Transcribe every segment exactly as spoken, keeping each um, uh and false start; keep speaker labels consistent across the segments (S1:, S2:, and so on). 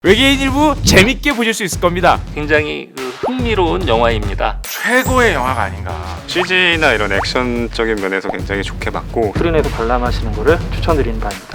S1: 외계인 일부 재밌게 보실 수 있을 겁니다.
S2: 굉장히 그 흥미로운 영화입니다.
S3: 최고의 영화가 아닌가.
S4: 씨지나 이런 액션적인 면에서 굉장히 좋게 봤고
S5: 스크린에서 관람하시는 것을 추천드리는 바입니다.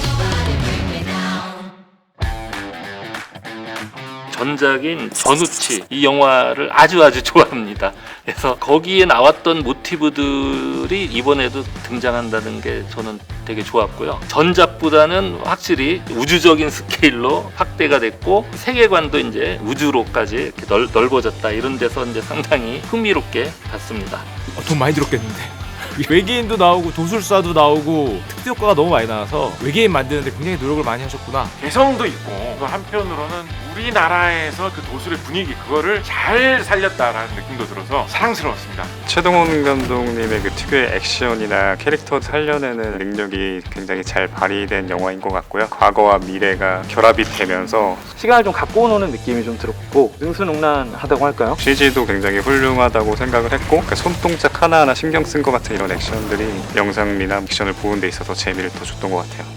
S2: 전작인 전우치 이 영화를 아주 아주 좋아합니다. 그래서 거기에 나왔던 모티브들이 이번에도 등장한다는 게 저는 되게 좋았고요. 전작보다는 확실히 우주적인 스케일로 확대가 됐고 세계관도 이제 우주로까지 이렇게 넓, 넓어졌다. 이런 데서 이제 상당히 흥미롭게 봤습니다.
S1: 어, 돈 많이 들었겠는데. 외계인도 나오고 도술사도 나오고 특수 효과가 너무 많이 나와서 외계인 만드는데 굉장히 노력을 많이 하셨구나.
S3: 개성도 있고 또 한편으로는 우리나라에서 그 도술의 분위기 그거를 잘 살렸다라는 느낌도 들어서 사랑스러웠습니다.
S4: 최동원 감독님의 그 특유의 액션이나 캐릭터 살려내는 능력이 굉장히 잘 발휘된 영화인 것 같고요. 과거와 미래가 결합이 되면서
S5: 시간을 좀 갖고 노는 느낌이 좀 들었고 능수능란하다고 할까요?
S4: 씨지도 굉장히 훌륭하다고 생각을 했고 그 손동작 하나하나 신경 쓴 것 같은 이런 액션들이 영상미나 액션을 보는 데 있어서 재미를 더 줬던 것 같아요.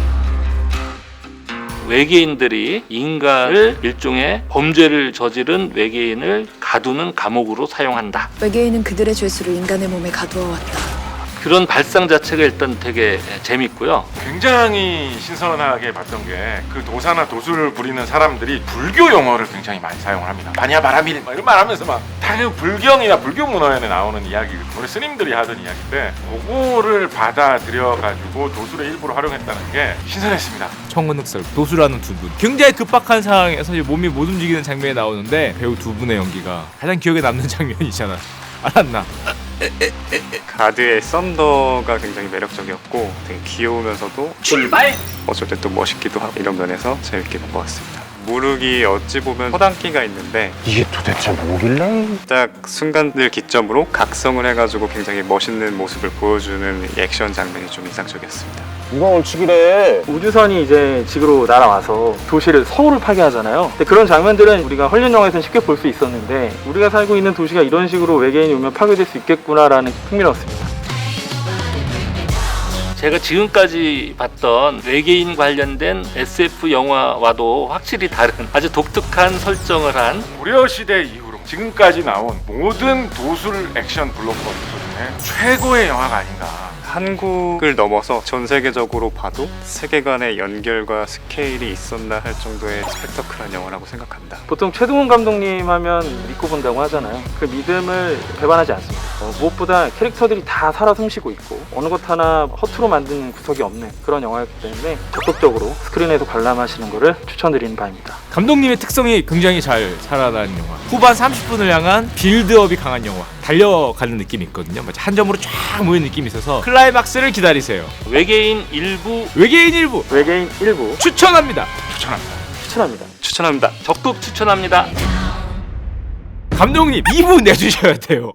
S2: 외계인들이 인간을 일종의 범죄를 저지른 외계인을 가두는 감옥으로 사용한다.
S6: 외계인은 그들의 죄수를 인간의 몸에 가두어 왔다.
S2: 그런 발상 자체가 일단 되게 재밌고요.
S3: 굉장히 신선하게 봤던 게 그 도사나 도술을 부리는 사람들이 불교 용어를 굉장히 많이 사용을 합니다. 바냐 바라밀 막 이런 말 하면서 막 당연 불경이나 불교 문화에 나오는 이야기, 우리 스님들이 하던 이야기인데 그거를 받아들여 가지고 도술의 일부로 활용했다는 게 신선했습니다.
S1: 청근흑설 도수라는 두 분. 굉장히 급박한 상황에서 이제 몸이 못 움직이는 장면이 나오는데 배우 두 분의 연기가 가장 기억에 남는 장면이잖아. 알았나?
S4: 가드의 썬더가 굉장히 매력적이었고 되게 귀여우면서도 출발! 어쩔 때 또 멋있기도 하고 이런 면에서 재밌게 본 것 같습니다. 무르기 어찌 보면 허당기가 있는데
S7: 이게 도대체 뭐길래?
S4: 딱 순간들 기점으로 각성을 해가지고 굉장히 멋있는 모습을 보여주는 이 액션 장면이 좀 인상적이었습니다.
S7: 누가 얼치기래?
S5: 우주선이 이제 지구로 날아와서 도시를 서울을 파괴하잖아요. 근데 그런 장면들은 우리가 헐리우드 영화에서는 쉽게 볼 수 있었는데 우리가 살고 있는 도시가 이런 식으로 외계인이 오면 파괴될 수 있겠구나라는 흥미로웠습니다.
S2: 제가 지금까지 봤던 외계인 관련된 에스에프 영화와도 확실히 다른 아주 독특한 설정을 한
S3: 고려시대 이후로 지금까지 나온 모든 도술 액션 블록버스터 중에 최고의 영화가 아닌가.
S4: 한국을 넘어서 전 세계적으로 봐도 세계관의 연결과 스케일이 있었나 할 정도의 스펙터클한 영화라고 생각합니다.
S5: 보통 최동원 감독님 하면 믿고 본다고 하잖아요. 그 믿음을 배반하지 않습니다. 어, 무엇보다 캐릭터들이 다 살아 숨쉬고 있고 어느 것 하나 허투루 만드는 구석이 없는 그런 영화였기 때문에 적극적으로 스크린에서 관람하시는 것을 추천드리는 바입니다.
S1: 감독님의 특성이 굉장히 잘 살아나는 영화. 후반 삼십 분을 향한 빌드업이 강한 영화. 달려가는 느낌이 있거든요. 한 점으로 쫙 모이는 느낌이 있어서 클라이막스를 기다리세요.
S2: 외계인 일부
S1: 외계인 일부
S5: 외계인 일부
S1: 추천합니다.
S3: 추천합니다.
S5: 추천합니다.
S4: 추천합니다.
S2: 적극 추천합니다.
S1: 감독님 이 부 내주셔야 돼요.